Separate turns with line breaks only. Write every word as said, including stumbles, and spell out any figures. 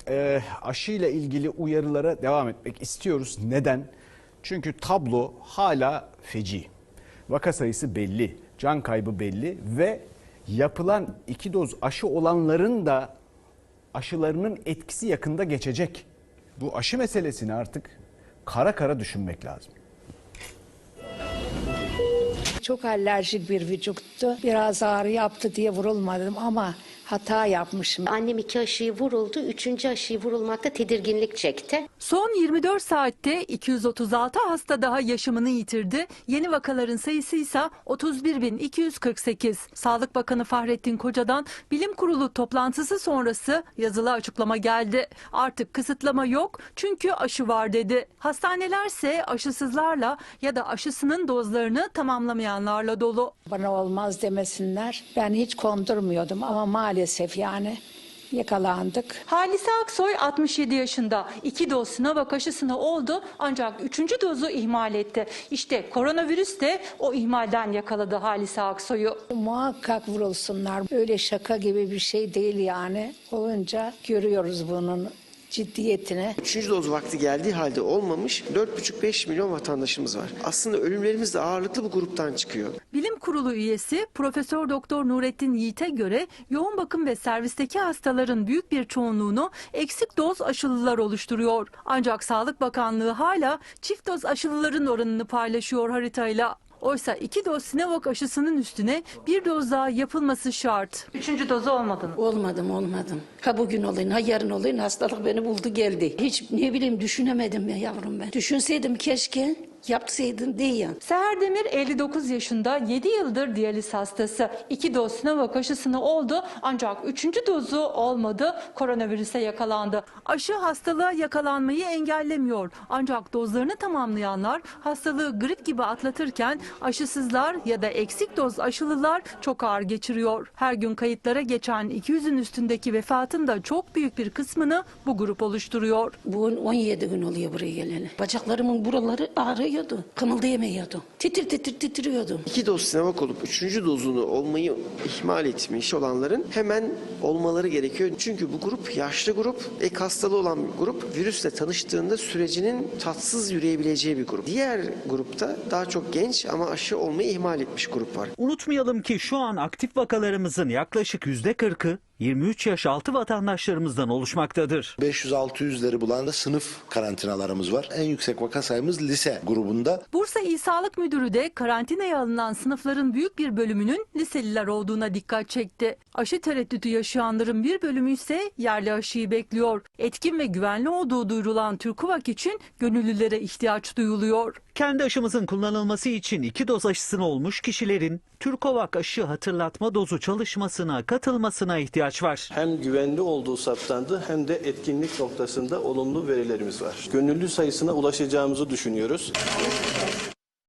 e, aşıyla ilgili uyarılara devam etmek istiyoruz. Neden? Çünkü tablo hala feci. Vaka sayısı belli, can kaybı belli ve yapılan iki doz aşı olanların da aşılarının etkisi yakında geçecek. Bu aşı meselesini artık kara kara düşünmek lazım.
Çok alerjik bir vücuttu. Biraz ağrı yaptı diye vurulmadım ama hata yapmışım.
Annem iki aşıyı vuruldu. Üçüncü aşıyı vurulmakta tedirginlik çekti.
Son yirmi dört saatte iki yüz otuz altı hasta daha yaşamını yitirdi. Yeni vakaların sayısı ise otuz bir bin iki yüz kırk sekiz. Sağlık Bakanı Fahrettin Koca'dan bilim kurulu toplantısı sonrası yazılı açıklama geldi. Artık kısıtlama yok çünkü aşı var dedi. Hastanelerse aşısızlarla ya da aşısının dozlarını tamamlamayanlarla dolu.
Bana olmaz demesinler. Ben hiç kondurmuyordum ama maalesef yani yakalandık.
Halise Aksoy altmış yedi yaşında. İki doz Sinovac aşısını oldu ancak üçüncü dozu ihmal etti. İşte koronavirüs de o ihmalden yakaladı Halise Aksoy'u.
Muhakkak vurulsunlar. Öyle şaka gibi bir şey değil yani. Olunca görüyoruz bunun ciddiyetini.
Üçüncü doz vakti geldiği halde olmamış dört buçuk beş milyon vatandaşımız var. Aslında ölümlerimiz de ağırlıklı bu gruptan çıkıyor.
Bilim Kurulu üyesi Profesör Doktor Nurettin Yiğit'e göre yoğun bakım ve servisteki hastaların büyük bir çoğunluğunu eksik doz aşılılar oluşturuyor. Ancak Sağlık Bakanlığı hala çift doz aşılıların oranını paylaşıyor haritayla. Oysa iki doz Sinovac aşısının üstüne bir doz daha yapılması şart. Üçüncü dozu olmadın.
Olmadım olmadım. Ha bugün olayım ha yarın olayım, hastalık beni buldu geldi. Hiç ne bileyim düşünemedim ya yavrum ben. Düşünseydim keşke yapsaydım diye.
Seher Demir elli dokuz yaşında, yedi yıldır diyaliz hastası. İki doz Sinovac aşısını oldu ancak üçüncü dozu olmadı, koronavirüse yakalandı. Aşı hastalığa yakalanmayı engellemiyor. Ancak dozlarını tamamlayanlar hastalığı grip gibi atlatırken aşısızlar ya da eksik doz aşılılar çok ağır geçiriyor. Her gün kayıtlara geçen iki yüzün üstündeki vefatın da çok büyük bir kısmını bu grup oluşturuyor.
Bu on yedi gün oluyor buraya geleli. Bacaklarımın buraları ağrıyor. Kımıldayamıyordu. Titir titir titriyordu.
İki doz Sinovac olup üçüncü dozunu olmayı ihmal etmiş olanların hemen olmaları gerekiyor. Çünkü bu grup yaşlı grup, ek hastalığı olan bir grup. Virüsle tanıştığında sürecinin tatsız yürüyebileceği bir grup. Diğer grupta daha çok genç ama aşı olmayı ihmal etmiş grup var.
Unutmayalım ki şu an aktif vakalarımızın yaklaşık yüzde kırkı yirmi üç yaş altı vatandaşlarımızdan oluşmaktadır.
beş yüz altı yüzleri bulan da sınıf karantinalarımız var. En yüksek vaka sayımız lise grubunda.
Bursa İl Sağlık Müdürü de karantinaya alınan sınıfların büyük bir bölümünün liseliler olduğuna dikkat çekti. Aşı tereddütü yaşayanların bir bölümü ise yerli aşıyı bekliyor. Etkin ve güvenli olduğu duyurulan Türkovak için gönüllülere ihtiyaç duyuluyor.
Kendi aşımızın kullanılması için iki doz aşısını olmuş kişilerin Türkovak aşı hatırlatma dozu çalışmasına katılmasına ihtiyaç var.
Hem güvenli olduğu saptandı hem de etkinlik noktasında olumlu verilerimiz var. Gönüllü sayısına ulaşacağımızı düşünüyoruz.